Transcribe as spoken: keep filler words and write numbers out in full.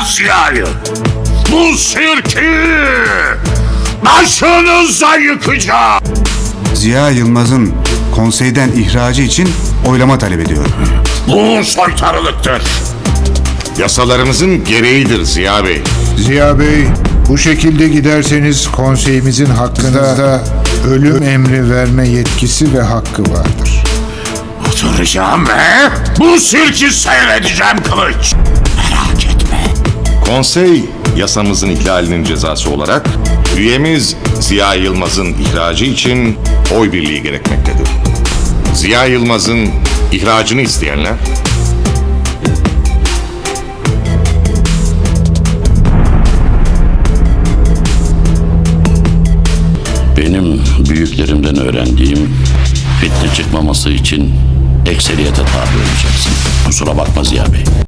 Ziya'yı. Bu sirki başınıza yıkacağım. Ziya Yılmaz'ın konseyden ihracı için oylama talep ediyorum. Bu soytarılıktır. Yasalarımızın gereğidir Ziya Bey. Ziya Bey, bu şekilde giderseniz konseyimizin hakkında ölüm emri verme yetkisi ve hakkı vardır. Oturacağım ve bu sirki seyredeceğim Kılıç. Merak etme. Konsey yasamızın ihlalinin cezası olarak üyemiz Ziya Yılmaz'ın ihracı için oy birliği gerekmektedir. Ziya Yılmaz'ın ihracını isteyenler Benim büyüklerimden öğrendiğim fitne çıkmaması için ekseriyete tabi olacaksın. Kusura bakma Ziya Bey.